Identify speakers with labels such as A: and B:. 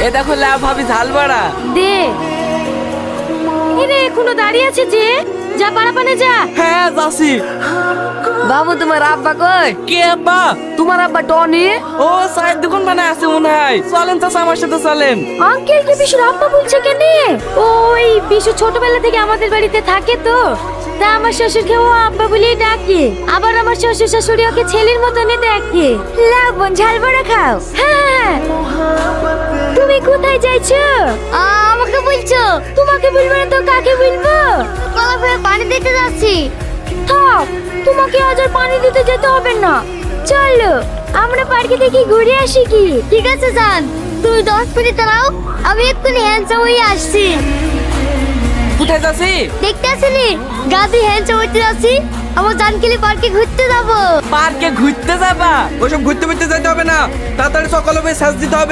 A: এ দেখো লাভ ভাবি ঝাল বাড়া।
B: দে। এরে এখনো দাঁড়িয়ে আছে যে, যা পারাপানে যা।
A: হ্যাঁ যাচ্ছি।
C: বাবু তোমার আব্বা কই?
A: কে আব্বা?
C: তোমার আব্বা টনি।
A: ও চায়ের দোকান বানায় আছে মনে হয়। চলেন চাচা আমার সাথে চলেন।
B: আঙ্কেল কে বিশুর আব্বা বলছে কেন? ওই বিশু ছোটবেলা থেকে আমাদের বাড়িতে থাকে তো, তা আমার শ্বশুরকে ও আব্বা বলেই ডাকে। আবার আমার শ্বশুর শাশুড়ি ওকে ছেলের মতনই দেখে। লাও বোন ঝাল বড়া খাও। হ্যাঁ। তুমি কোথায় যাইছো? আমাকে বলছো? তোমাকে বলবো না তো কাকে বলবো? কলা পানি দিতে যাচ্ছি। থাক, তোমাকে আজ আর পানি দিতে যেতে হবে না। চলো আমরা পার্কে থেকে ঘুরে আসি কি? ঠিক আছে যান, তুমি 10 মিনিট দাঁড়াও, আমি এক্ষুনি হ্যান্ডসাম হয়ে আসছি।
A: কোথায় যাচ্ছি?
B: দেখতে আসেনি গাদি হ্যান্ডসাম হতে যাচ্ছি। আমার জানকিলি পার্কে ঘুরতে যাবো।
A: পার্কে ঘুরতে যাবা? ওসব ঘুরতে ঘুরতে যেতে হবে না, তাড়াতাড়ি সকালে সাজ দিতে হবে।